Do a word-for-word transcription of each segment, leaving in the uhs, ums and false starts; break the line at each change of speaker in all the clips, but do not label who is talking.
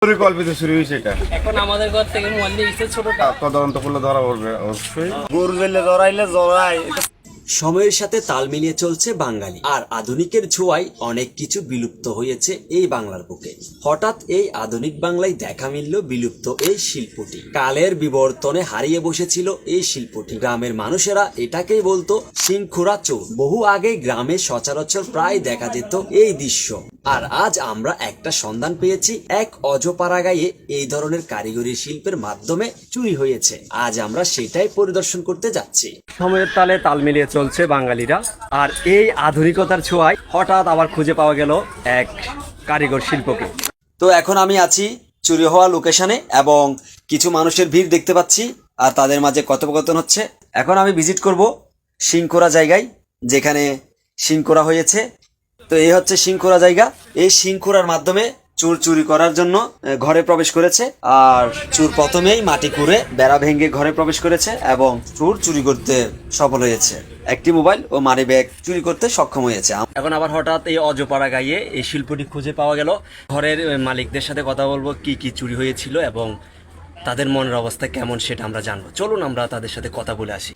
পরিকল্পিত চুরি হয়েছে এটা।
এখন আমাদের ঘর থেকে মোবাইল নিয়ে গেছে ছোটটা।
তদন্ত করলে ধরা পড়বে অবশ্যই।
গরু জেলে জড়াইলে জড়াই।
সময়ের সাথে তাল মিলিয়ে চলছে বাঙালি, আর আধুনিকের ছোঁয়ায় অনেক কিছু বিলুপ্ত হয়েছে এই বাংলার বুকে। হঠাৎ এই আধুনিক বাংলায় দেখা মিলল বিলুপ্ত এই শিল্পটি। কালের বিবর্তনে হারিয়ে বসেছিল এই শিল্পটি। গ্রামের মানুষেরা এটাকেই বলতো সিংখুরা চোর। বহু আগে গ্রামে সচরাচর প্রায় দেখা যেত এই দৃশ্য। আর আজ আমরা একটা সন্ধান পেয়েছি, এক অজপাড়া গায়ে এই ধরনের কারিগরি শিল্পের মাধ্যমে চুরি হয়েছে। আজ আমরা সেটাই পরিদর্শন করতে যাচ্ছি।
সময়ের তালে তাল মিলিয়ে চলছে বাঙালিরা, আর এই আধুনিকতার ছোঁয়ায় হঠাৎ আবার খুঁজে পাওয়া গেল এক কারিগর শিল্পকে।
তো এখন আমি আছি চুরি হওয়া লোকেশনে এবং কিছু মানুষের ভিড় দেখতে পাচ্ছি, আর তাদের মাঝে কথোপকথন হচ্ছে। এখন আমি ভিজিট করব সিংখোরা জায়গায়, যেখানে সিংখোরা হয়েছে। তো এই হচ্ছে সিংখোরা জায়গা। এই সিংখোরার মাধ্যমে চোর চুরি করার জন্য ঘরে প্রবেশ করেছে, আর চোর প্রথমেই মাটি খুঁড়ে বেড়া ভেঙে ঘরে প্রবেশ করেছে এবং চোর চুরি করতে সফল হয়েছে। একটি মোবাইল ও মানি ব্যাগ চুরি করতে সক্ষম হয়েছে।
এখন আবার হঠাৎ এই অজপাড়া গায়ে এই শিল্পটি খুঁজে পাওয়া গেল। ঘরের মালিকদের সাথে কথা বলবো, কি কি চুরি হয়েছিল এবং তাদের মনের অবস্থা কেমন সেটা আমরা জানবো। চলুন আমরা তাদের সাথে কথা বলে আসি।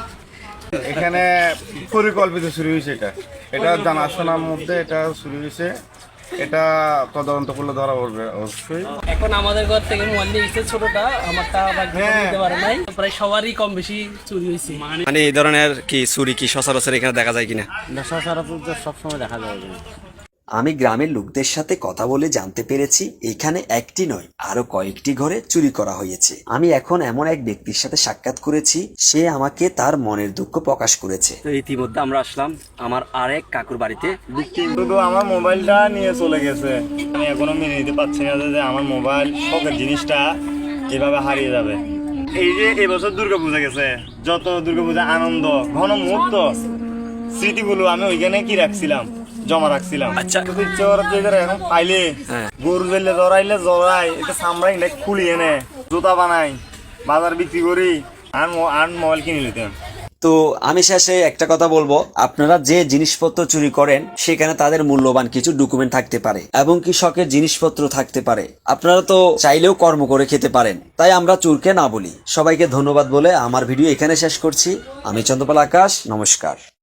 এখানে পরিকল্পিত চুরি হয়েছে এটা। এটা জানাশোনার মধ্যে এটা চুরি হয়েছে। এটা তদন্ত করলে ধরা পড়বে অবশ্যই।
এখন আমাদের ঘর থেকে মোবাইল নিয়ে গেছে ছোটটা, আমারটা বাকি নিতে পারে নাই। প্রায় সবারই কম বেশি চুরি হয়েছে।
মানে এই ধরনের কি চুরি কি সচরাচর এখানে দেখা যায় কিনা?
সচরাচর সবসময় দেখা যায়।
আমি গ্রামের লোকদের সাথে কথা বলে জানতে পেরেছি এখানে একটি নয় আরো কয়েকটি ঘরে চুরি করা হয়েছে। আমি এখন এমন এক ব্যক্তির সাথে সাক্ষাৎ করেছি, সে আমাকে তার মনের দুঃখ প্রকাশ করেছে।
তো ইতিমধ্যে আমরা আসলাম আমার আরেক কাকুর বাড়িতে।
শুধু আমার মোবাইলটা নিয়ে চলে গেছে। আমি এখনো মেনে নিতে পারছি না যে আমার মোবাইল শখের জিনিসটা এভাবে হারিয়ে যাবে। এই যে এবছর দুর্গাপূজা গেছে, যত দুর্গাপূজা আনন্দ ঘন মুহূর্ত স্মৃতিগুলো আমি ওইখানে কি রাখছিলাম, জমা রাখছিলাম।
আচ্ছা,
ইচ্ছে করতে এখন পাইলে গরু জেলে জড়াইলে জড়াই, এটা সামরাই না খুলি এনে জুতা বানাই, বাজার বিক্রি করি, আর আর মোবাইল কিনে নিতাম।
তো আমি শেষে একটা কথা বলবো, আপনারা যে জিনিসপত্র চুরি করেন সেখানে তাদের মূল্যবান কিছু ডকুমেন্ট থাকতে পারে এবং কি শখের জিনিসপত্র থাকতে পারে। আপনারা তো চাইলেও কর্ম করে খেতে পারেন, তাই আমরা চোরকে না বলি। সবাইকে ধন্যবাদ বলে আমার ভিডিও এখানে শেষ করছি। আমি চন্দ্রপাল আকাশ, নমস্কার।